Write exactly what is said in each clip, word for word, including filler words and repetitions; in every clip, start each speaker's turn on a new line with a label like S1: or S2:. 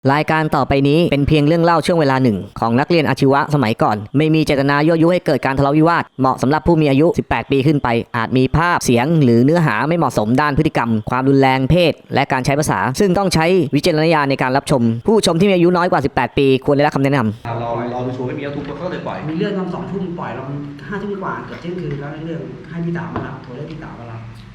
S1: รายการต่อไปนี้เป็นเพียงเรื่องเล่าช่วงเวลาหนึ่งของนักเรียนอาชีวะสมัยก่อนไม่มีเจตนายั่วยุให้เกิดการทะเลาะวิวาทเหมาะสำหรับผู้มีอายุสิบแปดปีขึ้นไปอาจมีภาพเสียงหรือเนื้อหาไม่เหมาะสมด้านพฤติกรรมความรุนแรงเพศและการใช้ภาษาซึ่งต้องใช้วิจารณญาณในการรับชมผู้ชมที่มีอายุน้อยกว่าสิบแปดปีควรได้รับคำแนะนำ
S2: เราเราไปชูไม่มีแล้วทุกคนก็เลยปล่อย
S3: มีเรื่องตอนสองทุ่มปล่อยเราห้าทุ่มกว่าเกือบเที่ยงคืนแล้วเรื่องให้พี่ต๋ามารับโทรได้พี่ต๋ามารับ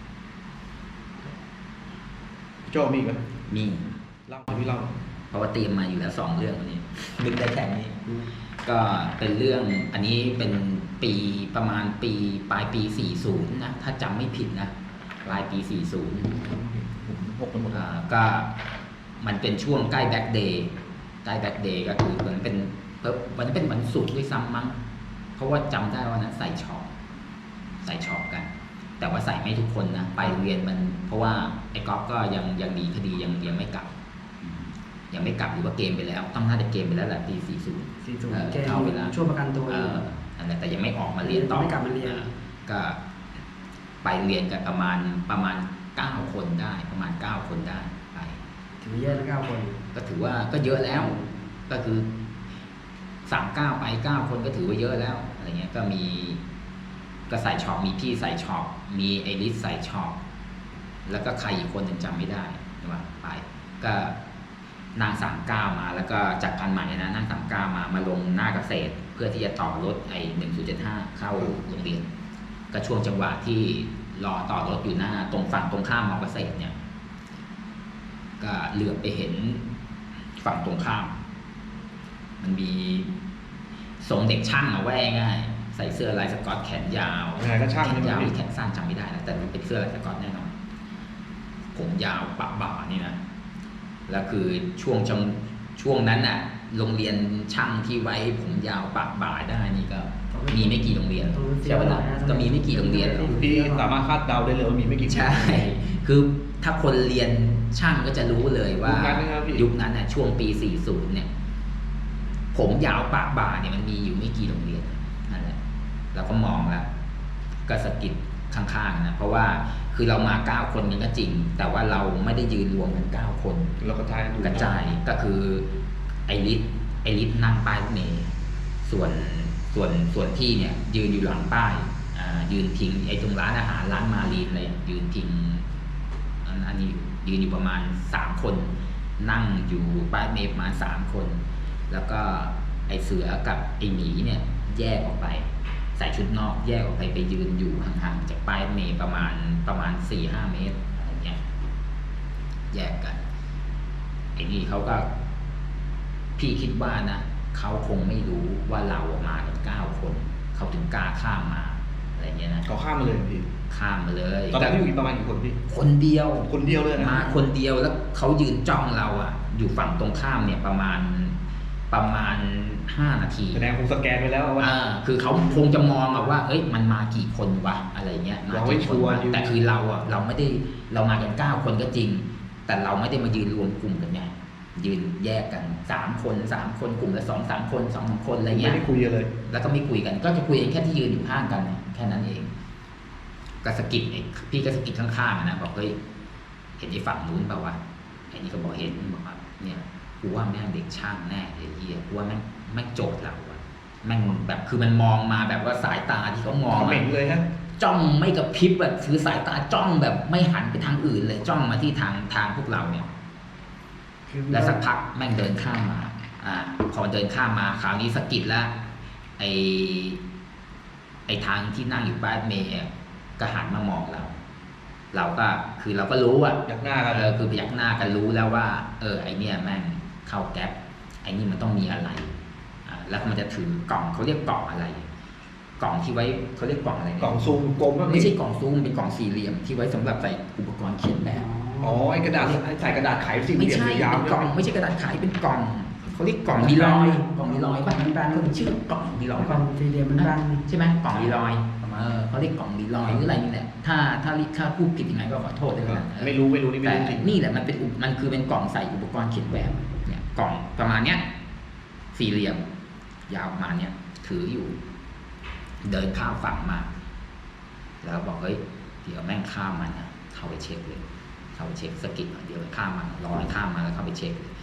S2: โจ้มีไหม
S4: มี
S2: เล่าพี่เล่า
S4: เพราะว่าเตรียมมาอยู่แล้วสองเรื่องวันนี้นึกได้แค่นี้ก็เป็นเรื่องอันนี้เป็นปีประมาณปีปลายปีสี่สิบนะถ้าจำไม่ผิดนะปลายปีสี่สิบ
S2: หกกันหมด
S4: ก็มันเป็นช่วงใกล้แบ็คเดย์ใกล้แบ็คเดย์ก็คือเหมือนเป็นวันเป็นวันศุกร์ด้วยซ้ำมั้งเพราะว่าจำได้ว่านั้นใส่ช็อปใส่ช็อปกันแต่ว่าใส่ไม่ทุกคนนะไปโรงเรียนมันเพราะว่าไอ้ก๊อฟก็ยังยังดีคดียังยังไม่กลับยังไม่กลับหรือว่าเกมไปแล้วต้องน่าจะเกมไปแล้วแหละปีสี่สิบ
S3: สี่สิบเกมเข้าไปแล้วช่วงประกันตัว
S4: เอออันนั้นแต่ยังไม่ออกมาเรียนต่อ
S3: ไม่กลับมาเรียน
S4: ก็ไปเรียนกันประมาณประมาณเก้าคนได้ประมาณเก้าคนได้ไป
S3: ถือเยอะนะเก้าคน
S4: ก็ถือว่าก็เยอะแล้วก็คือสามเก้าไปเก้าคนก็ถือว่าเยอะแล้วอะไรเงี้ยก็มีก็ใส่ช็อปมีพี่ใส่ช็อปมีไอริสใส่ช็อปแล้วก็ใครอีกคนหนึ่งจำไม่ได้ใช่ไหมไปก็นางสามเก้ามาแล้วก็จากพันใหม่นะนางสามเก้ามามาลงหน้าเกษตรเพื่อที่จะต่อรถไอหนึ่งศูนย์เจ็ดห้าเข้าโรงเรียนก็ช่วงจังหวะที่รอต่อรถอยู่หน้าตรงฝั่งตรงข้ามมอเกษตรเนี่ยก็เหลือบไปเห็นฝั่งตรงข้ามมันมีทรงเด็กช่างเอาไว้ง่ายใส่เสื้อลายสก๊อตแขนยาว
S2: แข
S4: นยาวหรือแขนสั้นจำไม่ได้นะแต่มันเป็นเสื้อลายสก๊อตแน่นอนผมยาวปะบ่านี่นะแล้วคือช่วงจังช่วงนั้นน่ะโรงเรียนช่างที่ไว้ผมยาวปะบ่าได้นี่ก็มีไม่กี่โรงเรียนใช่ไหมล่ะก็มีไม่กี่โรงเรียนหรอก
S2: พี่สามารถคาดเดาได้เลยว่ามีไม่กี่
S4: ใช่คือถ้าคนเรียนช่างก็จะรู้เลยว่ายุคนั้นน่ะช่วงปีสี่สิบเนี่ยผมยาวปะบ่าเนี่ยมันมีอยู่ไม่กี่โรงเรียนนั่นแหละเราก็มองแล้วก็สะกิดข้างๆนะเพราะว่าคือเรามาเก้าคนกันก็จริงแต่ว่าเราไม่ได้ยืนรวมกันเก้าคน
S2: เรากระจาย
S4: กระจายก็คือไอริสไอริสนั่งป้ายเมย์ส่วนส่วนส่วนที่เนี่ยยืนอยู่หลังป้ายอ่ายืนพิงไอตรงร้านอาหารร้านมารีนอะไรยืนพิงอันนี้ยืนอยู่ประมาณสามคนนั่งอยู่ป้ายเมย์ประมาณสามคนแล้วก็ไอเสือกับไอหมีเนี่ยแยกออกไปใส่ชุดนอกแยกออกไปไปยืนอยู่ห่างๆจากป้ายเมย์ประมาณประมาณ สี่ห้า เมตรอะไรเงี้ยแยกกันไอ้นี่เขาก็พี่คิดว่านะเขาคงไม่รู้ว่าเรามากันเก้าคนเขาถึงกล้าข้ามมาอะไรเงี้ยนะ
S2: เขาข้ามมาเลยพี่
S4: ข้ามมาเลย
S2: ตอนนั้นพี่มีประมาณกี่คนพี่
S4: คนเดียว
S2: คนเดียวเลยนะ
S4: มาคนเดียวแล้วเขายืนจ้องเราอ่ะอยู่ฝั่งตรงข้ามเนี่ยประมาณประมาณห้านาที
S2: แสดงคงสแกนไปแล้วว่า
S4: อ่าคือเขาคงจะมองว่าเอ้ยมันมากี่คนวะอะไรเงี้ย
S2: มากี่คน
S4: แต่คือเราอ่ะเราไม่ได้เรามากันเก้าคนก็จริงแต่เราไม่ได้มายืนรวมกลุ่มกันไงยืนแยกกันสามคนสามคนกลุ่มละสองสามคนสองสามคนอะไรเงี้ย
S2: ไม่ได้คุยเลย
S4: แล้วก็ไม่คุยกันก็จะคุยกันแค่ที่ยืนอยู่ข้างกันแค่นั้นเองก็สกิดพี่ก็สกิดข้างๆนะบอกเฮ้ยเห็นไอ้ฝั่งนู้นเปล่าวะไอ้นี่ก็บอกเห็นบอกว่าเนี่ยกูว่าแม่งเด็กช่างแน่ไอ้เหี้ยกูว่าแม่งแม่งโจทย์เราอะแม่งแบบคือมันมองมาแบบว่าสายตาที่เขามอง
S2: เหม่งเลยฮะ
S4: จ้องไม่กระพริบแบบคือสายตาจ้องแบบไม่หันไปทางอื่นเลยจ้องมาที่ทางทางพวกเราเนี่ยแล้วสักพักแม่งเดินข้ามมาอ่าพอเดินข้ามมาคราวนี้สะกิดแล้วไอไอทางที่นั่งอยู่ป้ายเมย์ก็หันมามองเราเราก็คือเราก็รู้อ่ะ
S2: ยักหน้ากัน
S4: เออคือพยักหน้ากันรู้แล้วว่าเออไอเนี่ยแม่งเข้าแก๊ปไอนี่มันต้องมีอะไรอ่าแล้วมันจะถือกล่องเขาเรียกกล่องอะไรกล่องที่ไว้เขาเรียกกล่องอะไร
S2: กล่องซูมกลม
S4: ไม่ใช่กล่องซูมเป็นกล่องสี่เหลี่ยมที่ไว้สำหรับใส่อุปกรณ์เขียนแบบ
S2: อ๋อไอกระดาษใส่กระดาษไขสี่เหลี่ยม
S4: ยาวกล่องไม่ใช่กระดาษไขเป็นกล่องเขาเรียกกล่องมีรอยกล่องมีรอยป่ะมันแบนมันชื่อกล่องมีรอย
S3: กล่องสี่เหลี่ยมมันแบน
S4: ใช่ไหมกล่องมีรอยเออเขาเรียกกล่องมีรอยหรืออะไรนี่แหละถ้าถ้าถ้าพูดผิดยังไงก็ขอโทษด้วยนะ
S2: ไม่รู้ไม่รู้นี่ไม่รู้จริง
S4: นี่แหละมันเป็นมันคือเป็นกล่องใส่อุปกรณ์เขียนแบบเนี่ยกล่องประมาณเนี้ยสี่เหลี่ยมยาวประมาณเนี้ยถืออยู่เดินข้ามฝั่งมาแล้วบอกเฮ้ยเดี๋ยวแม่งข้ามมันนะเข้าไปเช็คเลยเข้าไปเช็คสกิดเดี๋ยวข้ามมันรอให้ข้ามมาแล้วเข้าไปเช็คเลย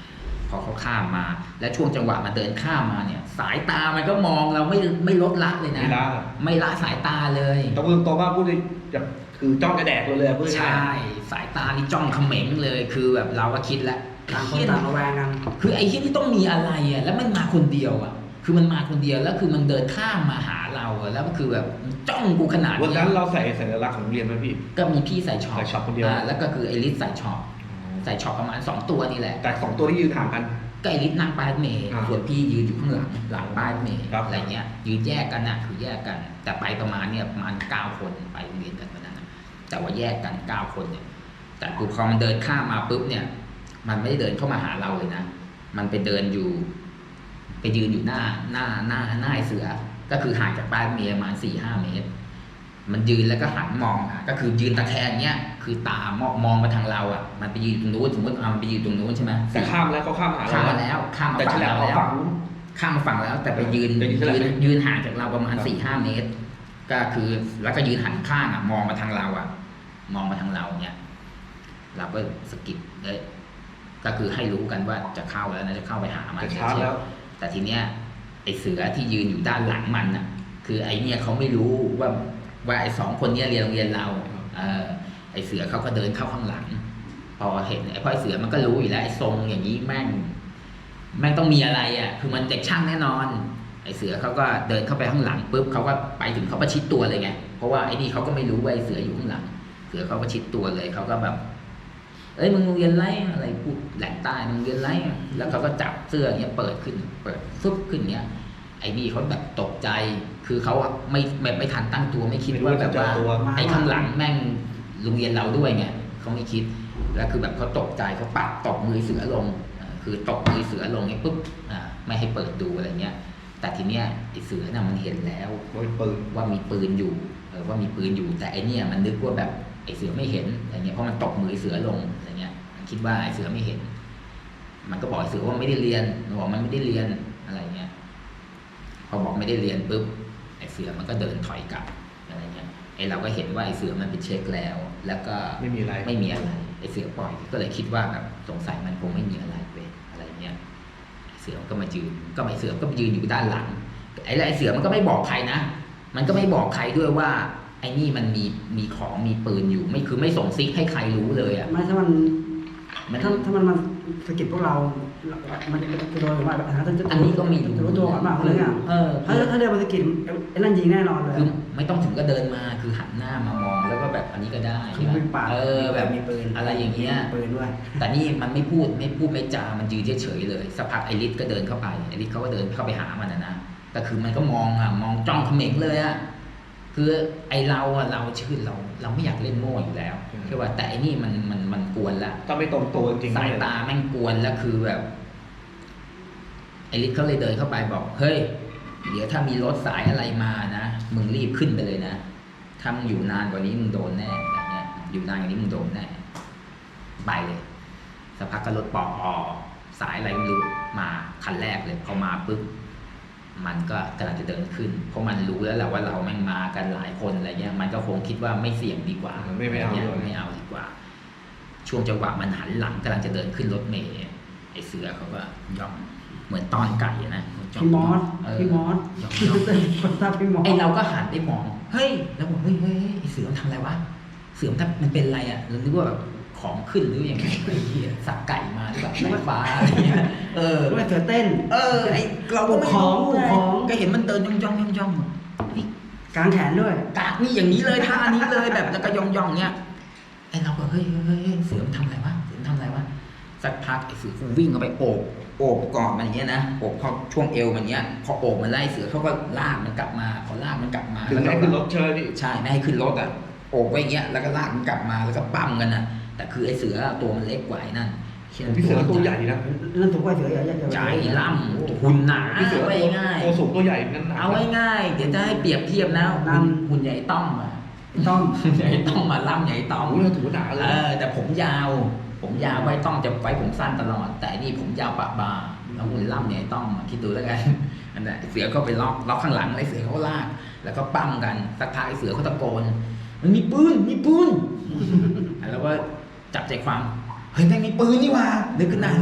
S4: พอเขาข้ามมา และช่วงจังหวะมันเดินข้ามมาเนี่ย สายตามันก็มองเราไม่ไม่ลดละเลยนะ
S2: ไม่ละ
S4: ไม่ละสายตาเลย
S2: ต้องพูดตรงๆว่าพูดเลยแบบคือจ้องกระแดกเราเลยพูดง่าย
S4: ใช่สายตานี่จ้องเขม็งเลยคือแบบเราก็คิดแล้ว
S3: ต่างคนต่างระแวงกัน
S4: คือไอ้ที่นี่ต้องมีอะไรอ่ะแล้วมันมาคนเดียวอ่ะคือมันมาคนเดียวแล้วคือมันเดินข้ามมาหาเราอะแล้วก็คือแบบจ้องกูขนาด
S2: วัน
S4: นี้
S2: นั้นเราใส่สัญลักษณ์ของโรงเรียนไหมพี่
S4: ก็มีพี่ใส่ช็อป
S2: ใส่ช็อปคนเดียว
S4: าแล้วก็คือไอริสใส่ช็อปใส่ช็อปประมาณสองตัวนี่แหละ
S2: แต่สองตัวที่ยืนห่างกัน
S4: ก็ไอริสนั่งป้ายรถเมล์
S2: อ่า
S4: ส่วนพี่ยืนอยู่ข้างหลังหลังป้ายรถเมล์
S2: ครับ
S4: อะไรเงี้ยยืนแยกกันน่ะคือแยกกัน แต่ไปประมาณเนี่ยประมาณเก้าคนไปโรงเรียนกันวันนั้นนะแต่ว่าแยกกันเก้าคนเนี่ยแต่ปุ๊บพอมันเดินข้ามมาปุ๊บเนี่ย มันไม่ได้เดินเข้ามาหาเราเลยนะมันไปเดินอยู่ ไปยืนอยู่หน้าหน้าหน้าหน้าไอ้เสือ ก็คือห่างจากป้ายรถเมล์ประมาณสี่ห้าเมตร มันยืนแล้วก็หันมองอ่ะก็คือยืนตะแคงเนี้ยคือตามองมองมาทางเราอ่ะมันไปยืนตรงนู้นสมมติเอามันไปยืนตรงนู้นใช่ไหม
S2: แต่ข้ามแล้วเขาข้ามหา
S4: ข้าม
S2: เรา
S4: มาแล้วข้ามมา
S2: แต่
S4: ฝั่
S2: ฉ
S4: ง
S2: ลับ
S4: เรา
S2: เขา
S4: แล้ว
S2: ฝั่งนู้น
S4: ข้ามมาฝั่งแล้ว แต่ไปยืน
S2: แต่ยืนฉลับ
S4: ยืนยืนห่างจากเราประมาณสี่ห้าเมตร ก็คือแล้วก็ยืนหันข้างอ่ะมองมาทางเราอ่ะ มองมาทางเราเนี้ยเราก็สะกิดเลยก็คือให้รู้กันว่าจะเข้าแล้วนะจะเข้าไปหามัน
S2: แต่ช้าแล้ว
S4: แต่ทีเนี้ยไอเสือที่ยืนอยู่ด้านหลังมันน่ะ คือไอเนี่ยเขาไม่รู้ว่าว่าไอสองคนเนี้ยเรียนโรงเรียนเราเออไอเสือเขาก็เดินเข้าข้างหลัง พอเห็นไอพ่อไอเสือมันก็รู้อยู่แล้วไอทรงอย่างนี้แม่งแม่งต้องมีอะไรอ่ะคือมันเด็กช่างแน่นอน ไอเสือเขาก็เดินเข้าไปข้างหลังปุ๊บเขาก็ไปถึงเขาประชิดตัวเลยไงเพราะว่าไอนี่เขาก็ไม่รู้ว่าไอเสืออยู่ข้างหลัง เสือเขาประชิดตัวเลยเขาก็แบบ เอ้ยมึงโรงเรียนไรอะไรพูดแหลงใต้มึงเรียนไรแล้วเขาก็จับเสื้อเงี้ยเปิดขึ้นเปิดฟึบขึ้นเงี้ยไอ้นี่เขาแบบตกใจคือเขาอะไม่แบบไม่ทันตั้งตัวไม่คิดว่าแบบว่าไอ้ข้างหลังแม่งโรงเรียนเราด้วยไงเขาไม่คิดแล้วคือแบบเขาตกใจเขาปัดตบมือเสือลงอ่าคือตบมือเสือลงไอ้ปุ๊บอ่าไม่ให้เปิดดูอะไรเงี้ยแต่ทีเนี้ยไอ้เสือน่ะมันเห็นแล้ว
S2: โดยปืน
S4: ว่ามีปืนอยู่เออว่ามีปืนอยู่แต่ไอเนี่ยมันนึกว่าแบบไอเสือไม่เห็นอะไรเงี้ยเพราะมันตบมือเสือลงอะไรเงี้ยมันคิดว่าไอเสือไม่เห็น มันก็บอกไอเสือว่าไม่ได้เรียนมันบอกมันไม่ได้เรียนอะไรเงี้ยพอบอกไม่ได้เรียนปุ๊บไอเสือมันก็เดินถอยกลับอะไรเงี้ยไอเราก็เห็นว่าไอเสือมันไปเช็คแล้ว แล้วก็
S2: ไม่มีอะไร
S4: ไม่มีอะไรไอเสือปล่อยก็เลยคิดว่าแบบสงสัยมันคงไม่มีอะไรเว้ยอะไรเงี้ยไอเสือมันก็มายืนก็ไอเสือก็ไปยืนอยู่ด้านหลังไอไอเสือมันก็ไม่บอกใครนะมันก็ไม่บอกใครด้วยว่าไอ้นี่มันมีมีของมีปืนอยู่ไม่คือไม่ส่งซิกให้ใครรู้เลยอ่ะ
S3: ไม่ถ้ามัน
S4: มัน
S3: ถ้าถ้ามันมาสะกิดพวกเรา มันจะโดนหรือว่าแบบจะ
S4: อันนี้ก็ไม่รู้
S3: จะรู้ตัวก่อนมากเลยอ่ะ
S4: เออ
S3: ถ้าถ้าเดินมาสะกิดไอ้นั่นยิงแน่นอนเลย
S4: คือไม่ต้องถึงก็เดินมาคือหันหน้ามามองแล้วก็แบบอันนี้ก็ได้
S3: คือมีปาก
S4: เออแบบ
S3: มีปืน
S4: อะไรอย่างเงี้ย
S3: มีปืนด้วย
S4: แต่นี่มันไม่พูดไม่พูดไม่จามันยืนเฉยๆเลยสักพักไอริสก็เดินเข้าไปไอริสเขาก็เดินเข้าไปหามันนะนะแต่คือมันก็มองอ่ะมองจ้องเขม็งเลยอ่ะคือไอเราอะเราชื่อเราเราไม่อยากเล่นโม่อยู่แล้วใช่ป่ะแต่ไอนี่มันมันมันกวนละ
S2: ถ้าไม่ตรงตัวจริงๆ
S4: สายตาแม่งกวนแล้วคือแบบไอริสเขาเลยเดินเข้าไปบอกเฮ้ยเดี๋ยวถ้ามีรถสายอะไรมานะมึงรีบขึ้นไปเลยนะถ้ามึงอยู่นานกว่านี้มึงโดนแน่อะไรเงี้ยอยู่นานกว่านี้มึงโดนแน่ไปเลยสักพักก็รถปออสายอะไรไม่รู้มาคันแรกเลยพอมาปุ๊บมันก็กำลังจะเดินขึ้นเพราะมันรู้แล้วแหละว่าเราแม่งมากันหลายคนอะไรเงี้ยมันก็คงคิดว่าไม่เสี่ยงดีกว่า
S2: ไม่ไม่เอา
S4: นี่ย
S2: ด้วย
S4: ไม่เอาดีกว่า ช่วงจังหวะมันหันหลังกำลังจะเดินขึ้นรถเมล์ไอเสือเขาก็ย่องเหมือนตอนไก่อะนะ
S3: พี่มอส
S4: เออ
S3: พี่มอส
S4: ย่องย่อง
S3: คนตาพี่มอส
S4: ไอเราก็หันไปมองเฮ้ยแล้วบอกเฮ้ยเฮ้ยเฮ้ยไอเสือมันทำอะไรวะเสือมันทำมันเป็นอะไรอ่ะเรานึกว่าแบบของขึ้นหรือยังไงไอ้เหี้ยสักไก่มาหรือแบบไฟฟ้าอะไรเงี้ยเออ
S3: ไม่เสือเต้น
S4: เออไอเราก็ไม่
S3: ปลุกของ
S4: รู้
S3: ปลุกของ
S4: ก็เห็นมันเดินย่องย่องย่องย่องนี่
S3: กางแขนด้วย
S4: กากนี่อย่างนี้เลยท่านี้เลยแบบแล้วก็ย่องย่องเนี้ยไอเราก็เฮ้ยเฮ้ยเฮ้ยเสือมันทำอะไรวะเสือมันทำอะไรวะสักพักไอเสือกูวิ่งเข้าไปโอบโอบกอดมันอย่างเงี้ยนะโอบเข้าช่วงเอวมันเงี้ยพอโอบมันไล่เสือเขาก็ลากมันกลับมาพอลากมันกลับมา
S2: ถึงไม่ให้ขึ้นรถเชิญพี่
S4: ใช่ไม่ให้ขึ้นรถอ่ะโอบไว้อย่างเงี้ยแล้วก็ลากมันกลับมาแล้วก็ปั้มกันนะแต่คือไอเสือตัวมันเล็กกว่าไอ้นั่น
S2: พี่เสือตัวใหญ่นะ
S3: นั่นถูกว่าเสือใหญ่ใหญ่
S4: ใจล่ำหุ่นหนา
S2: พี่เสือ
S4: เอาไว้ง่าย
S2: ตัวสูงตัวใหญ่งั้นหนัก
S4: เอาไว้ง่ายเดี๋ยวจะให้เปรียบเทียบนะหุ่นหุ่นใหญ่ต้อมอ่ะ
S3: ต้อง
S4: ใหญ่ต้องมาล่ำใหญ่ต้อม
S2: โอ้ยถือว่าหนาเล
S4: เอย อแต่ผมยาว ผมยาวไว้ต้องจะไว้ผมสั้นตลอด แต่นี่ผมยาวปะบาแล้วหุ่นล่ำใหญ่ต้องมาคิดดูแล้วกันอันนั้นเสือก็ไปล็อกล็อกข้างหลังไอ้เสือเขาลากแล้วก็ปั้มกันสักพักไอ้เสือเขาตะโกนมันมีปืนมีปืนแล้วก็จับใจความเฮ้ยแม่งมีปืนนี่หว่านึกขึ้นได้เฮ้ยแม่งเฮ้ย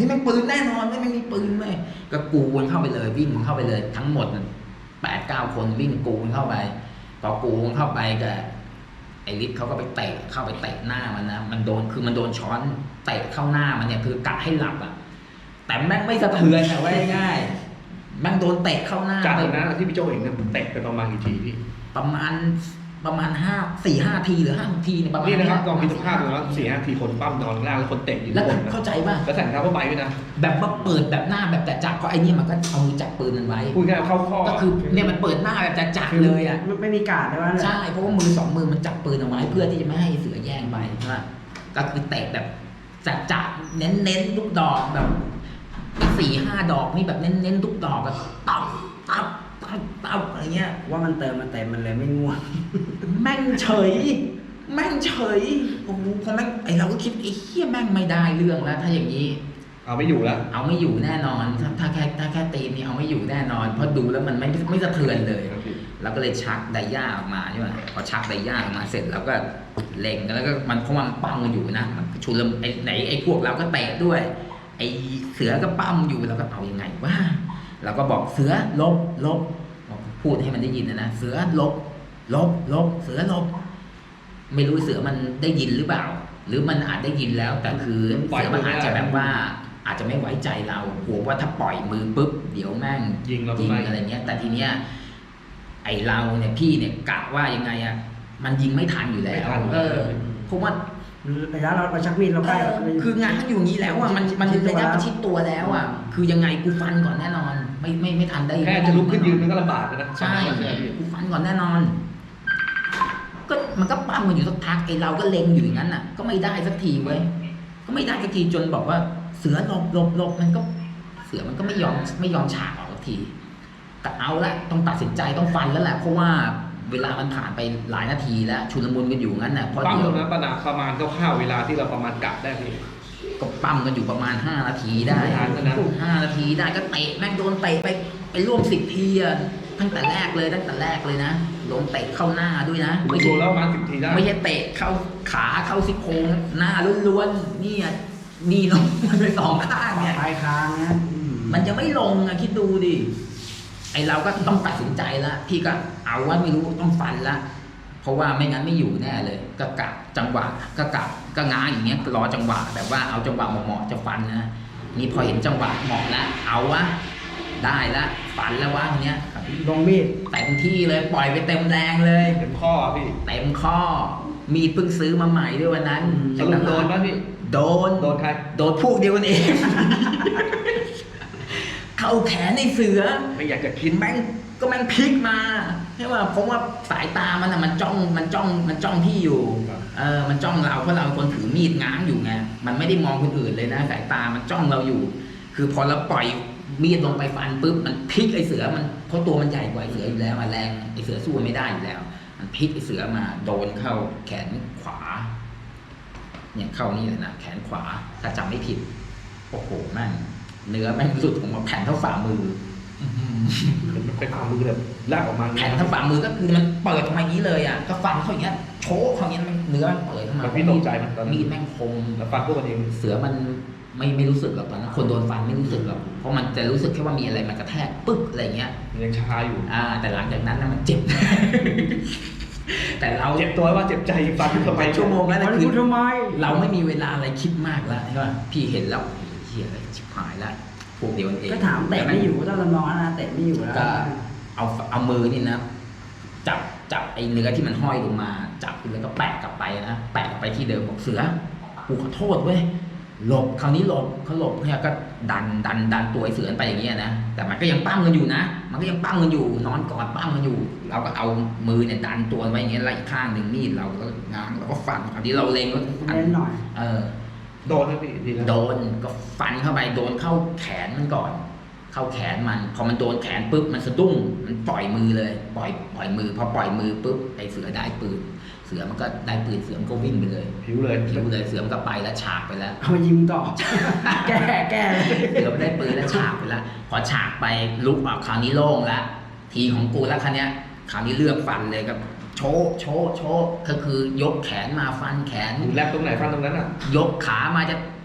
S4: ฮ้ยแม่งปืนแน่นอนไม่ไม่มีปืนไหมก็กูมันเข้าไปเลยวิ่งมันเข้าไปเลย ทั้งหมดแปดเก้าคนวิ่งกูมันเข้าไปพอกูมันเข้าไปก็ไอ้ฤทธิ์เขาก็ไปเตะเข้าไปเตะหน้ามันนะมันโดนคือมันโดนช้อนเตะเข้าหน้ามันเนี่ยคือกะให้หลับอ่ะแต่แม่งไม่สะเทือนอะไว้ง่ายแม่งโดนเตะเข้าหน้า
S2: จาก
S4: ไป
S2: นั้นที่พี่โจเห็นเนี่ยเตะไปประมาณกี่ทีพี่
S4: ประมาณประมาณห้าสี่ห้าทีหรือห้าทีเนี่ยประมาณ
S2: นี่นะครับลองคิด
S4: เย
S2: สภาพดูนะสี่ห้าทีคนปั้มนอนข้างล่างแล้วคนเตะอยู่
S4: แล้ว
S2: ข้างบนนะ
S4: เข้าใจป่ะ
S2: แล้วใส่รองเท้าผ้าใบด้วยนะ
S4: แบบว่าเปิดแบบหน้าแบบจัดๆเพราะไอ้นี่มันก็เอามือจับปืนมันไว้
S2: พูดง่ายๆเข้าข้อ
S4: ก็คือเนี่ยมันเปิดหน้าแบบจัดๆเลยอ่ะ
S3: ไม่ไม่มีการได้ว่า
S4: ใช่เพราะว่ามือสองมือมันจับปืนเอาไว้เพื่อที่จะไม่ให้เสือแย่งไปใช่ไหมก็คือเตะแบบจัดๆเน้นๆทุกดอกแบบสี่ห้าดอกนี่แบบเน้นๆทุกดอกแบบตับตับตับตับอะไรเงี้ย
S3: ว่ามันเติมมันเต็มมันเลยไม่ง่วง
S4: แม่งเฉย แม่งเฉยโอ้โหพอแม่งไอเราก็คิดไอ้เหี้ยแม่งไม่ได้เรื่องแล้ว ถ้าอย่างนี้
S2: เอาไม่อยู่แล้ว
S4: เอาไม่อยู่แน่นอนถ้าถ้าแค่ถ้าแค่ตีนี่เอาไม่อยู่แน่นอน เพราะดูแล้วมันไม่ไม่สะเทือนเลยเราก็เลยชักไดย่าออกมาใช่ไหมพอชักไดย่าออกมาเสร็จเราก็เล็งกันแล้วก็มันเพราะมันปั้มกันอยู่นะมันชุลมุนไอ้ไหนไอ้พวกเราก็เตะด้วย ไอ้เสือก็ปั้มอยู่เราก็เอายังไงวะเราก็บอกเสือลบลบพูดให้มันได้ยินนะนะเสือลบลบลบเสือลบไม่รู้เสือมันได้ยินหรือเปล่า หรือมันอาจได้ยินแล้ว แต่คือเสือมันอาจจะแบบว่า อาจจะไม่ไว้ใจเรากลัวว่าถ้าปล่อยมือปุ๊บเดี๋ยวแม่ง
S2: ยิงเรา
S4: ยิง
S2: ไป
S4: อะไรเงี้ย แต่ทีเนี้ยไอเราเนี่ยพี่เนี่ยกะว่ายังไงอ่ะมันยิงไม่ทันอยู่แล้วเออเพราะว่า
S3: ระยะเราเราชักมีดเราใกล้
S4: คืองานอยู่อย่างนี้แล้วอ่ะมันมันระยะประชิดตัวแล้วอ่ะคือยังไงกูฟันก่อนแน่นอน ไม่ไม่ไม่ทันได้
S2: แค่จะลุกขึ้นยืนมันก็ลำบากแล้วนะ
S4: ใช่กูฟันก่อนแน่นอน ก็มันก็ปั้มกันอยู่สักพักไอเราก็เล็งอยู่อย่างนั้นอ่ะ ก็ไม่ได้สักทีเว้ยก็ไม่ได้สักทีจนบอกว่าเสือหลบหลบหลบมันก็เสือมันก็ไม่ยอมไม่ยอมฉากออกสักทีแต่เอาละต้องตัดสินใจต้องฟันแล้วแหละเพราะว่าเวลามันผ่านไปหลายนาทีแล้วชุลมุนกันอยู่งั้นน่ะเพราะ
S2: ปั้ม
S4: เดี๋
S2: ต
S4: ยว
S2: รงนั้นประมาณประมาณคร่าวๆเวลาที่เราประมาณกะได้พี่
S4: ก็ปั้มกันอยู่ประมาณห้านาทีได้
S2: ไม่ทันแล้วนะ
S4: ห้านาทีได้ก็เตะแม่งโดนเตะไปไปร่วมสิบทีอะตั้งแต่แรกเลยตั้งแต่แรกเลยนะโดนเตะเข้าหน้าด้วยนะ
S2: ไม่
S4: ไม่
S2: โด
S4: ใช่
S2: นแล้วประมาณสิบทีได้
S4: ไม่ใช่เตะเข้าขาเข้าซี่โครงหน้าล้วนๆนี่อะนี่ลงมันไปสองข้างเนี่ย
S3: ปลายคางนะ
S4: มันจะไม่ลงอะคิดดูดิไอเราก็ต้องตัดสินใจละพี่ก็เอาว่าไม่รู้ต้องฟันละเพราะว่าไม่งั้นไม่อยู่แน่เลยก็กะจังหวะก็กะก็ง้างอย่างเงี้ยรอจังหวะแบบว่าเอาจังหวะเหมาะๆจะฟันนะนี่พอเห็นจังหวะเหมาะแล้วเอาวะได้ละฟันแล้ววะทีเนี้ย
S3: ลงมีด
S4: เต็มที่เลยปล่อยไปเต็มแรงเลย
S2: เต็มข้อพี่
S4: เต็มข้อมีดเพิ่งซื้อมาใหม่ด้วยวันนั้น
S2: สรุปโดนป่ะพี่
S4: โดน
S2: โดนใคร
S4: โดนพวกเดียวกันเอง เข้าแขนในเสือ
S2: ไม่อยากจะคิด
S4: แม่งก็แม่งพลิกมาใช่ป่ะเพราะว่าสายตามันอะมันจ้องมันจ้องมันจ้องพี่อยู่เออมันจ้องเราเพราะเราเป็นคนถือมีดง้างอยู่ไงมันไม่ได้มองคนอื่นเลยนะสายตามันจ้องเราอยู่ คือพอเราปล่อยมีดลงไปฟันปุ๊บมันพลิกไอเสือมันเพราะตัวมันใหญ่กว่าไอเสืออยู่แล้วอะแรงไอเสือสู้ไม่ได้อยู่แล้ว มันพลิกไอเสือมาโดนเข้าแขนขวา เนี่ยเข้านี่เลยนะแขนขวาถ้าจำไม่ผิดโอ้โหแม่งเนื้อแม่งหลุดออกมาแผ่นเท่าฝ่ามือ
S2: มันเป็นความมือแบบลากออกมา
S4: แผ่นทั้งฝ่ามือก็คือมันเปิดออกมาอย่างนี้เลยอ่ะก็ฟันเขาอย่างเงี้ยโชกเขาอย่างเงี้ยมันเนื้อมันเปิดออกมา
S2: แบบพี่ตกใจมันตอน
S4: มี
S2: นี้
S4: ดแม่งคม
S2: แล้วฟันพวกมันเอง
S4: เสือมันไม่ไม่รู้สึกหรอกตอนนั้นคนโดนฟันไม่รู้สึกหรอกเพราะมันจะรู้สึกแค่ว่ามีอะไรมากระแทกปึ๊กอะไรเงี้ย
S2: มันยังชาอยู่
S4: อ่า แต่หลังจากนั้นนะมันเจ็บ แต่เรา
S2: เจ็บตัวว่าเจ็บใจฟันทำไม
S4: เป็นชั่วโมงแล้ว
S3: มั
S4: นะ
S3: น
S4: คือ
S3: พูดทำไม
S4: เราไม่มีเวลาอะไรคิดมากแล้วใช่ป่ะพี่เห็นแล้วเฮียอะไรชิบหายแล้วพวกเดียวกันเอง
S3: ก็ถามเตะไม่อยู่ต้องลำลองนะเตะไม่อยู่แล้ว
S4: ก็เอาเอามือนี่นะจับจับไอ้เนื้อที่มันห้อยลงมา จับแล้วก็แปะกลับไปนะแปะกลับไปที่เดิมบอกเสือกูขอโทษเว้ยหลบคราวนี้หลบเขาหลบเนี่ยก็ดันดันดันตัวไอ้เสือไปอย่างเงี้ยนะแต่มันก็ยังปั้มกันอยู่นะมันก็ยังปั้มกันอยู่นอนกอดปั้มกันอยู่ เราก็เอามือเนี่ยดันตัวไว้อย่างเงี้ยแล้วอีกข้างหนึ่งมีดเราก็ง้างเราก็ฟันคราวนี้เราเล็งว่า
S3: เล่นหน่อย
S4: เออ
S2: โดนนะพี่ดีแล้ว
S4: โดนก็ฟันเข้าไปโดนเข้าแขนมันก่อน เข้าแขนมันพอมันโดนแขนปุ๊บมันสะดุ้งมันปล่อยมือเลย ปล่อยปล่อยมือพอปล่อยมือปุ๊บไอ้เสือได้ปืนเสือมันก็ได้ปืนเสือมันก็วิ่งไปเลย
S2: ผิวเลย
S4: ผิวเลยเสือมันก็ไปแล้วฉากไปแล้ว
S3: เอามายิงต่อ แก้แก้เลย
S4: เสือมันได้ปืนแล้วฉากไปแล้วพอฉากไปลุกออกคราวนี้โล่งแล้วทีของกูแล้วคราวเนี้ยคราวนี้เลือกฟันเลยครับโชว์โชว์โชว์ก็คือยกแขนมาฟันแขน
S2: หูแลบตรงไหนฟันตรงนั้นอ่ะ
S4: ยกขามาจะ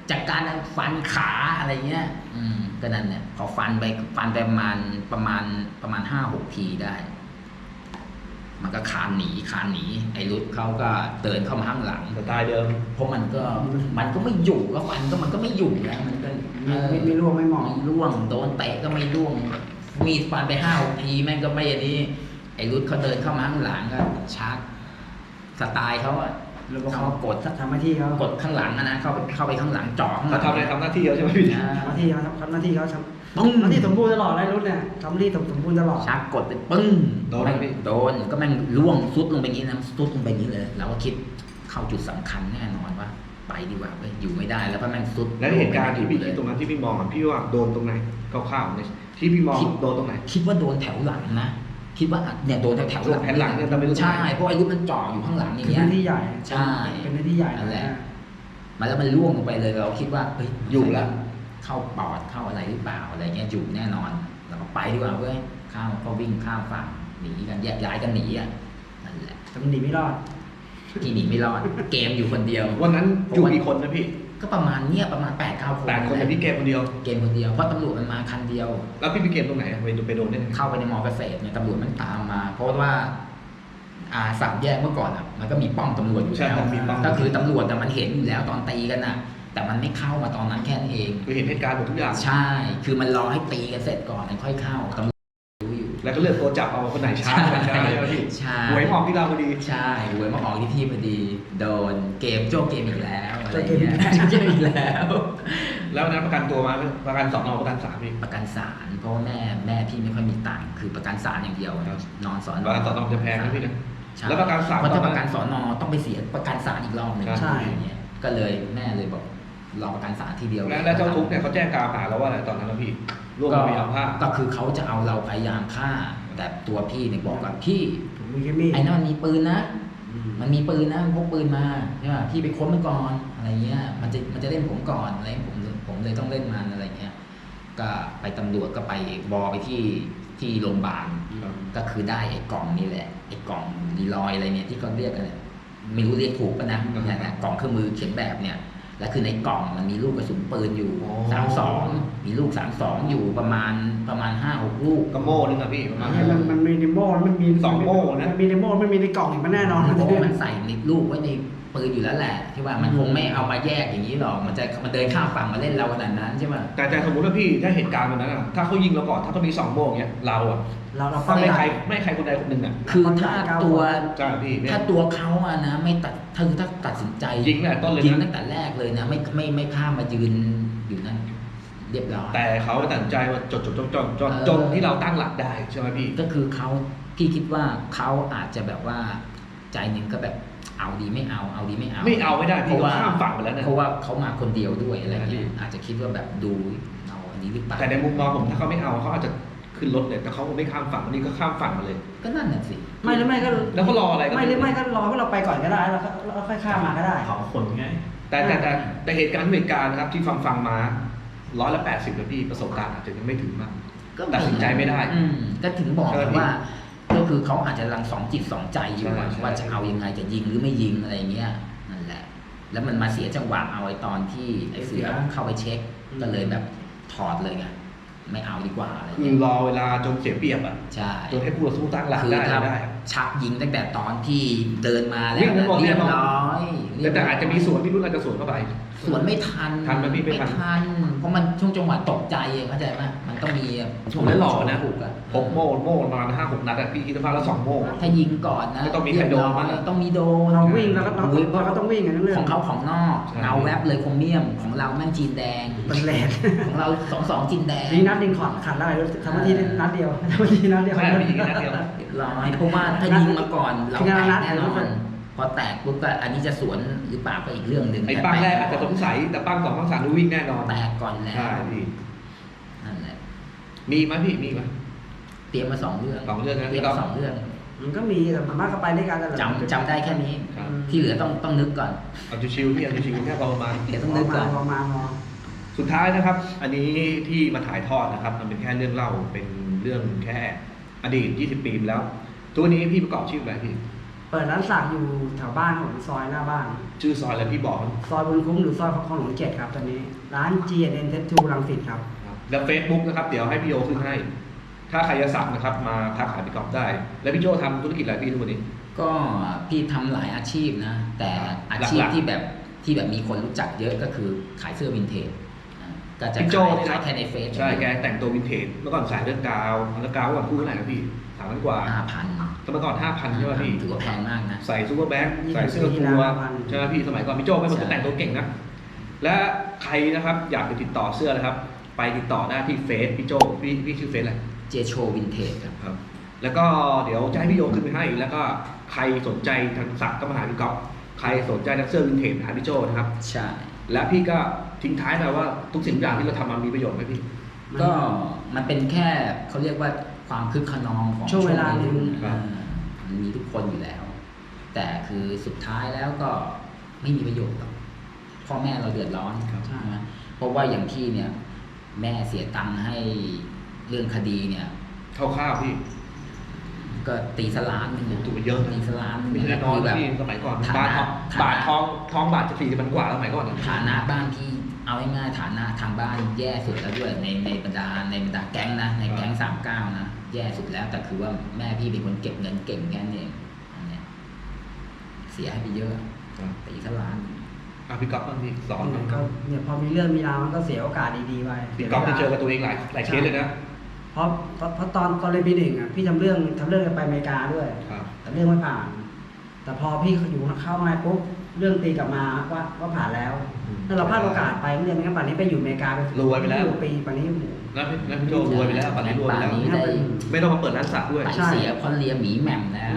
S4: จากการฟันขาอะไรเงี้ย อืมก็นั่นเนี่ยพอฟันไปฟันไปประมาณประมาณประมาณห้าหกทีได้ มันก็คานหนีคานหนีไอ้รุดเขาก็เดินเข้ามาข้างหลัง
S2: สไตล์เดิม
S4: เพราะมันก็มันก็ไม่อยู่ก็ฟันก็มันก็ไม่อยู่แล้วมันก็
S3: ไม่ไม่ไม่ร่วงไม่หมอง
S4: ไม่ร่วงโดนเตะก็ไม่ร่วงมีดฟันไปห้าหกทีแม่งก็ไม่อันนี้ไอ้รุดเขาเดินเข้ามาข้างหลังก็ชาร์จสไตล์เขาอะ
S3: แล้วก็
S4: เขา
S3: เขา
S4: กด
S3: ทำหน้าที่เขา
S4: กดข้างหลังอะนะเข้าไปเข้าไปข้างหลังจ่อข้างหลั
S2: เขา
S4: ง
S2: ทำอะไรทำหน้าที่เขาใช่ไหมพี่
S4: อ่า
S3: ทำหน้าที่เขาทำหน้าที่เขาท
S4: ปึ้ง
S3: ำหน้าที่สมบูรณ์ตลอดเลยรุ่นเนี่ยทำหน้าที่สมบูรณ์ตลอด
S4: ชาร์จกดไปปึ้ง
S2: โดนไหมพี่
S4: โดนก็แม่งล่วงซุดลงไปอย่างนี้นะซุดลงไปอย่างนี้เลยเราก็คิดเข้าจุดสำคัญแน่นอนว่าไปดีกว่าเว้ยอยู่ไม่ได้แล้วก็แม่งซุด
S2: แล้วเหตุการณ์ที่พี่
S4: เล
S2: คิด
S4: ย
S2: ตรงนั้นที่พี่มองอ่ะพี่ว่าโดนตรงไหนคร่าวๆเนี่ยที่พี่มองโดนตรงไหน
S4: คิดว่าโดนแถวหลังนะคิดว่าเนี่ยโดนแถวแถวหลัง
S2: แถวหลังเนี่ยแต่ไม่รู้
S4: ใช่เพราะไอ้รุดมันจ่ออยู่ข้างหลังอย่าง
S3: เป็น
S4: เงี้
S3: ห
S4: ย
S3: น้าที่ใหญ่
S4: ใช่
S3: เป็นหน้าที่ใหญ่
S4: นั่นแหละ
S3: นะ
S4: มาแล้วมันล่วงลงไปเลยเราคิดว่าเฮ้ย
S2: อยู่แล้ว
S4: เข้าปอดเข้าอะไรหรือเปล่าอะไรเงี้ยอยู่แน่นอนเราก็ไปดีกว่าเว้ยข้ามก็วิ่งข้ามฝั่งหนีกันแยกย้ายกันหนีอ่ะนั่นแหละ
S3: แต่มันหนีไม่รอด
S4: ที่หนีไม่รอด เกมอยู่คนเดียว
S2: วันนั้นอยู่กี่คนนะพี่
S4: ก็ประมาณเนี้ยประมาณแปดเก้าคน
S2: แปดคนแต่พี่เกมคนเดียว
S4: เกมคนเดียวเพราะตำรวจมันมาคันเดียว
S2: แล้วพี่ไปเกมตรงไหนอะไปดูไปโดนได้ไง
S4: เข้าไปในมอเกษตรเนี่ยตำรวจมันตามมา เพราะว่า อ่าสามแยกเมื่อก่อนอ่ะมันก็มีป้อมตำรวจอยู่
S2: ใช่
S4: แล้ว
S2: ครับมีป้อม
S4: ก็คือตำรวจแต่มันเห็นอยู่แล้วตอนตีกันน่ะ แต่มันไม่เข้ามาตอนนั้นแค่นั้นเอง
S2: คือเห็นเหตุการณ์หมดทุกอย่าง
S4: ใช่ คือมันรอให้ตีกันเสร็จก่อนแล้วค่อยเข้าตำรวจรู้อยู่
S2: แล้วก็เลือกตัวจับเอาคนไหนช้าคนไหนช้าใช่ไหมพี่
S4: ใช่
S2: หวยออกที่เราพอดี
S4: ใช่หวยมาออกที่พี่พอดี โดนเกมโจ้เกมอีกแล้วอะไร
S3: โจ้เกมอี
S4: เงี้
S3: ก
S4: ย
S3: แล้ว
S4: เกมอีกแล้ว
S2: แล้ววันนั้นประกันตัวมาประกันสองนประกันสามพี่
S4: ประกันศาลเพราะว่าแม่แม่พี่ไม่ค่อยมีตังค์คือประกันศาลอย่างเดียว
S2: ครับ
S4: นอนสอน
S2: ประกันสอนอจะแพงนะพี่นะ
S4: ใช่
S2: แล้วประกันศาล
S4: เพราะ
S2: ตอ
S4: ถ้าน ป
S2: นั้น
S4: ระกันสอนอต้องไปเสียประกันศาลอีกรอบหนึ่ง
S3: ใช่
S4: อย่างเงี้ยก็เลยแม่เลยบอกรอประกันศาลทีเดียว
S2: แล้วแล้วเจ้าทุกข์เนี่ยเขาแจ้งกล่าวหาเราว่าอะไรตอนนั้นนะพี่ร่วม
S4: ก็
S2: พยายามฆ่า
S4: ก็คือเขาจะเอาเราพยายามฆ่าแต่ตัวพี่เนี่ยบอกกับพี่
S3: ผมมีแค่มีด
S4: ไอ้นั่นมันมีปืนนะ
S3: อืม
S4: มันมีปืนนะมันพกปืนมาใช่ป่ะพี่ไปค้นมันก่อนอะไรเงี้ยมันจะมันจะเล่นผมก่อนอะไรผมผมเลยต้องเล่นมันอะไรเงี้ยก็ไปตำรวจก็ไปวอไปที่ที่โรงพยาบาล
S2: ครับ
S4: ก็คือได้ไอ้กล่องนี่แหละไอ้กล่องรีลอยอะไรเนี่ยที่เขาเรียกกันเนี่ยไม่รู้เรียกถูกปะนะเนี่ยนะกล่องเครื่องมือเขียนแบบเนี่ยแล้วคือในกล่องมันมีลูกกระสุนปืนอยู่
S2: อ๋อ
S4: สามสองมีลูกสามสองอยู่ประมาณประมาณห้าหกลูก
S2: กระโม่นึงอะพี่ประมาณ
S3: มันมันมันมีในโม่มันมี
S2: สองโม่นะ
S3: มันมีในโม่มันมีในกล่องอีกมันแน่นอน
S4: เพราะว่ามันใส่ในลูกไว้ในปืนอยู่แล้วแหละที่ว่ามันคงไม่เอามาแยกอย่างนี้หรอกมันจะมันเดินข้ามฝั่งมาเล่นเราขนาดนั้นใช่ป่ะ
S2: แต่แต่สมมติว่าพี่ถ้าเหตุการณ์วันนั้นอะถ้าเขายิงเราก่อนถ้าเขามีสองโม่อย่างเงี้ยเราอะ
S3: เราเรา
S2: ถ้าไม่ใคร
S3: ด้
S2: ไม่ใครคนใดคนหนึ่งอะ
S4: คือถ้าตัว
S2: ใช่พี่เนี่ย
S4: ถ้าตัวเขาอะนะไม่ตัดถ้าถ้าตัดสินใจ
S2: ยิงตั้งแต่ต้นเลย
S4: ยิง
S2: นะ
S4: ตั้งแต่แรกเลยนะไม่ไม่ไม่ข้ามมายืนอยู่นั่นเรียบร้อย
S2: แต่เขาตัดสินใจว่าจดจดจดจดจน
S4: เออ
S2: จนที่เราตั้งหลักได้ใช่ไหมพี่
S4: ก็คือเขาพี่คิดว่าเขาอาจจะแบบว่าใจหนึ่งก็แบบเอาดีไม่เอาเอาดีไม่เอา
S2: ไม่เอาไม่ได้
S4: เพ
S2: พี่
S4: ราะ
S2: ก็
S4: ว่า
S2: ข้ามฝั่งไปแล้วนะ
S4: เพราะว่าเขามาคนเดียวด้วยอะไรเงี้ย
S2: ใช่
S4: อาจจะคิดว่าแบบดูเอาอันนี้หรือเปล่า
S2: แต่ในมุมมองผมถ้าเขาไม่เอาเขาอาจจะขึ้นรถเลยแต่เขาไม่ข้ามฝั่งวันนี้ก็ข้ามฝั่งมาเลย
S4: ก็นั่นน่ะสิ
S3: ไม่หรือไม่ก็
S2: แล้วเขารออะไรก็
S3: ไม่หรือไม่ก็รอให้เราไปก่อนก็ได้แล้วก็เราค่อยข้ามมาก็ได้
S5: เผาขนไง
S2: แต่แต่แต่แต่เหตุการณ์เหตุการณ์นะครับที่ฟังฟังมาร้อยละแปดสิบนะพี่ประสบการณ์อาจจะยังไม่ถึงมาก
S4: ก็
S2: ตัดสินใจไม่ได้
S4: อืมก็ถึงบอก
S2: ใช่ไหม
S4: ว่า ก็คือเขาอาจจะกำลังสองจิตสองใจอยู่อะ
S2: ใช่ใช่
S4: ว่าจะเอายังไงจะยิงหรือไม่ยิงอะไรเงี้ยนั่นแหละ แล้วมันมาเสียจังหวะเอาไอ้ตอนที่ไอ้เสือเข้าไปเช็ค ก็เลยแบบถอดเลยไงไม่เอาดีกว่าอะไร
S2: คือ
S4: เงี้ย
S2: รอเวลาจนเสียเปรียบอ่ะ
S4: ใช่
S2: จนให้ผู้ต่อสู้ตั้งหลัก
S4: คือ
S2: ได้
S4: ถ้า
S2: ได้
S4: ชักยิงตั้งแต่ตอนที่เดินมาแล้ว
S2: วิ่งทั้งหมด
S4: เรียบ
S2: แน่นอน
S4: ร้อยเรียบร้ย
S2: แต่อาจจะมีส่วนที่รุ่นอาจจะสวนเข้าไป
S4: สวนไม่ทัน
S2: ทันไหมพี่ไม่ทัน
S4: ทัน เพราะมันช่วงจังหวะตกใจเองเข้าใจไหมมันต้องมีช่วง
S2: แล้วหล่อนะ
S4: ถูกอะ
S2: พกโม่โม่ประมาณห้าหกนัดอะพี่คิดว่าแล้วสองโม่
S4: ถ้ายิงก่อนนะ
S2: ก็ต้องมีใครโดน
S4: เยบร้อย
S2: บ้าง
S4: ต้องมีโดน
S3: เราวิ่งแล้วก็ต้อง
S4: โอ้ย
S3: เราก็ต้องวิ่งกันเรื่อง
S4: ของเขาของนอก
S2: ใช่
S4: เงาแวบเลยคมเมียมของเราแม่งจีนแดง
S3: เป็นแหลก
S4: ของเราสองสองจีนแดง
S3: ยิงนัดยิงขอดขัดได้ทำหน้าที่ได้นัดเดียวทำหน้าที่นัดเดียว
S2: ใช่พี่ยิงแค่นัดเดียว
S4: เรียบร้อยเพราะว่าถ้ายิงมาก่อนเรา
S3: ที
S4: แต
S3: ละ
S4: ก
S3: นัด
S4: แน่นอ
S3: เดี๋ย
S4: น
S3: ว
S4: พอแตกปุ๊บก็อันนี้จะสวนหรือเปล่าก็อีกเรื่องหนึ่ง
S2: ไอ้ปั้งแรกอาจจะสงสัยแต่ปั้งสองปั้งสามนี่วิ่งแน่นอน
S4: แตกก่อนแล้ว
S2: ใช่พี่
S4: นั่นแหละ
S2: มีไหมพี่มีไหม
S4: เตรียมมาสองเรื่อง
S2: สองเรื่องนะ
S4: เตรียม
S2: พี่ก๊อ
S4: มา
S2: ฟ
S4: สองเรื่อง
S3: มันก็มีแต่มันมากก็ไปด้วยกันแต่ละ
S4: จำจำได้แค่นี้
S2: ครับ
S4: ที่เหลือต้องต้องนึกก่อน
S2: เอาชิวๆพี่เอาชิวๆแค่ประมาณ
S4: เดี๋ยว
S3: ต้
S4: ต้
S3: อ
S4: อง งนึก
S3: มา
S4: ก่อน
S3: พอมาพอ
S2: สุดท้ายนะครับ อันนี้ที่มาถ่ายทอดนะครับ มันเป็นแค่เรื่องเล่า เป็นเรื่องแค่อดีต ยี่สิบ ปีมาแล้ว ตัวนี้พี่ประกอบชื่ออะไรพี่
S3: เปิดร้านสักอยู่แถวบ้านของซอยหน้าบ้าน
S2: ชื่อซอยอะไรพี่บอก
S3: ซอยบุญคุ้มหรือซอยคลองหลวงเจ็ดครับตอนนี้ร้าน จี เอ็น Tattoo รังสิตครับ
S2: แล้วเฟซบุ๊กนะครับเดี๋ยวให้พี่โยขึ้นให้ ถ้าใครจะสักนะครับมาทักหาพี่ก๊อฟได้ แล้วพี่โยทำธุรกิจอะไรพี่ทุกวันนี้
S4: ก็พี่ทำหลายอาชีพนะ แต่อาชีพ
S2: หลักๆ
S4: ที่แบบที่แบบมีคนรู้จักเยอะก็คือขายเสื้อวินเทจนะก็จะ
S2: พี่โจ้
S4: ขาย
S2: เนี่ยนะ
S4: ขายแค่ในเฟซ
S2: ใช่แกแต่งตัววินเทจเมื่อก่อนขายเรื่องกาวแล้วกาวเมื่อก่อนคู่เท่าไหร่นะพี่สามพันกว่า
S4: ห้าพัน
S2: แต่เมื่อก่อนห้าพันใช่ไหมพี่
S4: ถือว่าแพงมากนะ
S2: ใส่ซูเปอร์แบ็ค
S3: ยี่สิบ
S2: ใส่เสื้อ
S3: ปีที่
S2: ตัว
S3: แล้วพัน
S2: ใช่ไหมพี่สมัยก่อนพี่โจ้เป็นคน
S4: ใช่
S2: แต่งตัวเก่งนะและใครนะครับอยากจะติดต่อเสื้อนะครับ ไปติดต่อได้ที่เฟซพี่โจ้พี่พี่ชื่อเฟซอะไร
S4: เจโชวินเทจครับ
S2: ครับแล้วก็เดี๋ยวจะให้พี่โยขึ้นไปให้ แล้วก็ใครสนใจทางสักก็มาหาพี่ก๊อฟใครสนใจทางเสื้อวินเทจหาพี่โจนะครับ
S4: ใช่
S2: และพี่ก็ทิ้งท้ายไปว่าทุกสิ่งทุกอย่างที่เราทำมามีประโยชน์ไหมพี่
S4: ก็มันเป็นแค่เขาเรียกว่าความคึกขนองของ
S3: ช่วงเวลาหนึ่ง
S2: ครับ
S4: อ่ามันมีทุกคนอยู่แล้ว แต่คือสุดท้ายแล้วก็ไม่มีประโยชน์หรอกพ่อแม่เราเดือดร้อน
S2: ครับ
S4: ใช่ไหมเพราะว่าอย่างที่เนี่ยแม่เสียตังค์ให้เรื่องคดีเนี่ย
S2: คร่าวๆพี่
S4: ก็ตีสลานหนึง
S2: ถูกไปเยอะนะ
S4: ตีสลานหนึ่ง
S2: ไม่ใช่น้อย
S4: คือ
S2: นะ
S4: แบบ
S2: พี่สมัยก่อน
S4: ฐา
S2: บาท
S4: นะ
S2: ทอง
S4: ฐานะ
S2: บาททองทองบาทจะสี่สิบมันกว่าสมัยก่อนนะ
S4: ฐานะบ้านพี่เอาง่ายๆฐานะทางบ้านแย่สุดแล้วด้วยในในบรรดาในบรรดาแก๊งนะในแก๊งสามเก้านะแย่สุดแล้วแต่คือว่าแม่พี่เป็นคนเก็บเงินเก่งแค่นั้นเองอันเนี้ยเสียให้ไปเยอะตีสลาน
S2: อ่ะพี่ก๊อฟบ้างพี่สอน
S3: มั
S2: บ้าง
S3: นก็เนี่ยพอมีเรื่องมีราวมันก็เสียโอกาสดีๆไป
S2: พี่ก๊อฟได้เจอกับตัวเองหลายหลายเคสเลยนะ
S3: เพราะเพราะเพราะตอนตอนเรียนปีหนึ่งอ่ะพี่ทำเรื่องทำเรื่องไปอเมริกาด้วย
S2: ครับ
S3: แต่เรื่องไม่ผ่าน แต่พอพี่อยู่เข้ามาปุ๊บเรื่องตีกลับมาว่าว่าผ่านแล้ว
S2: อืม
S3: ถ้าเราพลาดโอกาสไปเรื่องไม่งั้นป่านนี้ไปอยู่อเมริกาไป
S2: รวยไปแล้ว
S3: ปีป่านนี้โอ้โห
S2: แล้วพี่แล้วพี่โจรวยไปแล้วปัจจุบันรวยไปแล้ว
S4: ป่านนี้ได้
S2: ไม่ต้องมาเปิดร้านสักด้วย
S4: ไป
S3: ใช่
S4: เสียเพราะเลียหมีแหม่มแล้ว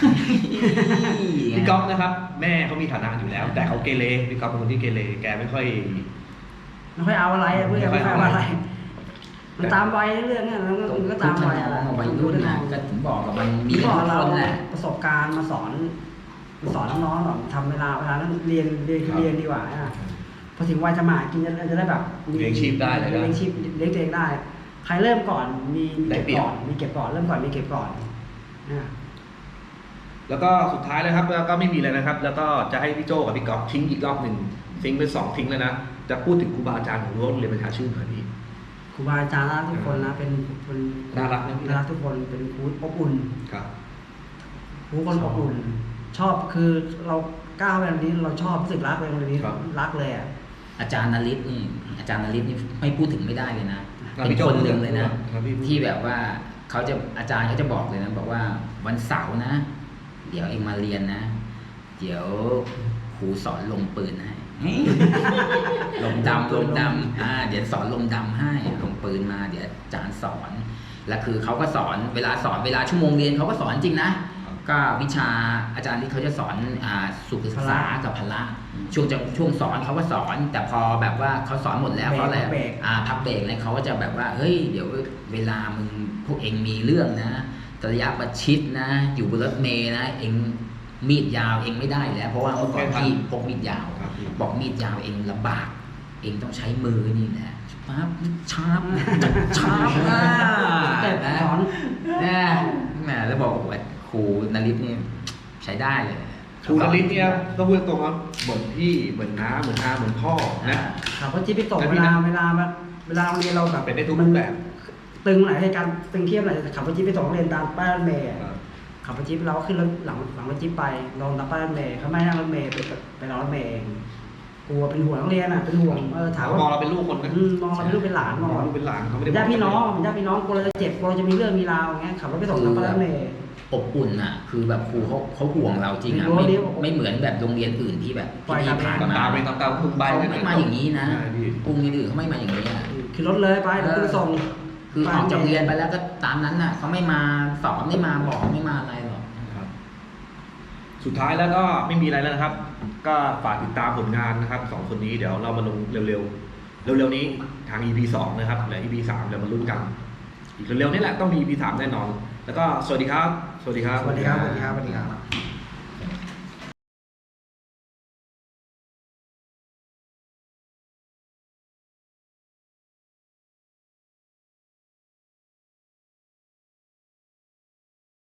S2: พี่ก๊อฟนะครับ แม่เขามีฐานะอยู่แล้ว แต่เขาเกเรพี่ก๊อฟเป็นคนที่เกเรแกไม่ค่อย
S3: ไม่ค่อยเอาอะไรอะเพื่อน
S2: ไม่
S3: ไม่
S2: ค่
S3: ค่
S2: อ
S3: อย ย
S2: เอา
S3: เอา
S2: อะ
S3: อะไร ไร มันตามวัยเรื่องเนี่ยแล้วมันก็ตามวัยอะไร
S4: วัยรุ่นนะก็ถึงบอกกับมันมี
S3: พี่
S4: ทุ
S3: บอก
S4: ก
S3: เรา
S4: คนแหละ
S3: ประสบการณ์มาสอนมาสอนน้องๆหรอกทำเวลาเวลานั้นเรียนเรียนคือเรียนดีกว่าอะพอถึงวัยจะมาหากินจะจะได้แบบมี
S2: เลี้ยงชีพได้เลยนะ
S3: เลี้ยงชีพเลี้ยงตัวเองได้ ใครเริ่มก่อนมีมี
S2: ได้
S3: เก็บ
S2: เปรียบ
S3: ก่อนมีเก็บก่อนเริ่มก่อนมีเก็บก่อนนะ
S2: แล้วก็สุดท้ายเลยครับแล้วก็ไม่มีเลยนะครับ แล้วก็จะให้พี่โจกับพี่ก๊อฟทิ้งอีกรอบหนึ่งทิ้งเป็นสองทิ้งแล้วนะจะพูดถึงครูบาอาจารย์ของโรงเรียนประชาชื่นหน่อยพี่
S3: ครูบาอาจารย์น่ารักทุกคนนะเป็นคน
S2: น่ารักนะพี่
S3: น่ารักทุกคนเป็นครูอบอุ่น
S2: ครับ
S3: ครูคนอบอุ่น ชอบคือเราก้าวไปตรงนี้เราชอบรู้สึกรักเลยตรงนี้
S2: ครับ
S3: รักเลยอ่ะ
S4: อาจารย์นฤทธิ์นี่อาจารย์นฤทธิ์นี่ไม่พูดถึงไม่ได้เลยนะ
S2: อ่ะ
S4: เป็น
S2: พี่โจ้
S4: คนหนึ่งเลยนะ
S2: ครับพี่
S4: ที่แบบว่าเขาจะอาจารย์เขาจะบอกเลยนะบอกว่าวันเสาร์นะ เดี๋ยวเองมาเรียนนะ เดี๋ยวครูสอนลงปืนให้ ลงดำลงดำอ่าเดี๋ยวสอนลงดำให้ลงปืนมา เดี๋ยวอาจารย์สอนแล้วคือเขาก็สอนเวลาสอนเวลาชั่วโมงเรียนเขาก็สอนจริงนะ ก็วิชาอาจารย์ที่เขาจะสอนอ่าสุขศึกษากับพละช่วงจังช่วงสอนเขาก็สอน แต่พอแบบว่าเขาสอนหมดแล้วเขาอะไร
S3: เบรก
S4: อ่าพักเบรกเนี่ยเขาก็จะแบบว่าเฮ้ยเดี๋ยวเวลามึงพวกเองมีเรื่องนะระยะประชิดนะ อยู่บนรถเมล์นะ เองมีดยาวเองไม่ได้แล้ว เพราะว่าเมื่อก่อนพี่พกมีดยาว
S2: ครับพี่
S4: บอกมีดยาวเองลำบาก เองต้องใช้มือนี่แหละปั๊บชาร์ปชาร์ปอ่ะ
S3: แต่สอน
S4: นะแหมแล้วบอกว่าครูนฤทธิ์นี่ใช้ได้เลย
S2: ครูนฤทธิ์เนี่ยก็พูดตรงว่าเหมือนพี่เหมือนน้าเหมือนอาเหมือนพ่อนะ
S3: ขับรถจิ๊บไปตก
S2: แต่
S3: เว
S2: พี่
S3: ลา
S2: นะ
S3: เวลาแบบเวลาโรงเรียนเราแบบ
S2: เป็นได้ทุกรูปแบบ
S3: ตึงไหนให้การตึงเทียบไหนขับรถจิ๊บไปส่งนักเรียนตามป้ายรถเมล์ขับรถจิ๊บเราก็ขึ้นรถหลังหลังรถจิ๊บไปลงตามป้ายรถเมล์เขาไม่ให้นั่งรถเมล์ไปไปรอรถเมล์เองกลัวเป็นห่วงนักเรียนอ่ะเป็นห่วงเออถาม
S2: ม
S3: ว่า
S2: องเราเป็นลูกคนนะ
S3: อืมมองเราเป็นลูกเป็นหลาน
S2: ม
S3: ม
S2: อ
S3: องง
S2: เรา
S3: เรา
S2: เป็นหลานเขาไม่ได้
S3: ญาติพี่น้องญาติพี่น้องกลัวเราจะเจ็บกลัวเราจะมีเรื่องมีราวอย่างเงี้ยขับรถไปส่งตามป้ายรถเมล์
S4: อบอุ่นอ่ะ คือแบบครูเขาเขาห่วงเราจริงอ่ะ
S3: รู้
S4: ไม่
S3: ดิ
S4: ไม่เหมือนแบบโรงเรียนอื่นที่แบบ
S3: ปล่อย
S4: ที่
S3: ตาม
S4: ผ่าน
S2: ตาม
S4: มา
S2: ตามไปตามตามคุณใบ
S4: เขาไม่มาอย่างนี้นะ
S2: ใช่พี่
S4: กรุงอื่นๆเขาไม่มาอย่างนี้อ่ะ
S3: คือรถเลยไปเดี๋ยวไปส่ง
S4: คือออกจากเรียนไปแล้วก็ตามนั้นน่ะเขาไม่มาสอนไม่มาบอกไม่มาอะไรหรอก
S2: ครับสุดท้ายแล้วก็ไม่มีอะไรแล้วนะครับ ก็ฝากติดตามผลงานนะครับสองคนนี้เดี๋ยวเรามาลงเร็วๆเร็วๆนี้ทาง อี พี สองนะครับและ อี พี สามเดี๋ยวมาลุ้นกันอีกเร็วๆนี่แหละต้องมี อี พี สามแน่นอน แล้วก็สวัสดีครับ สวัสดีครับ
S3: สวัสดีครับสวัสดีครับสวัสดีครับ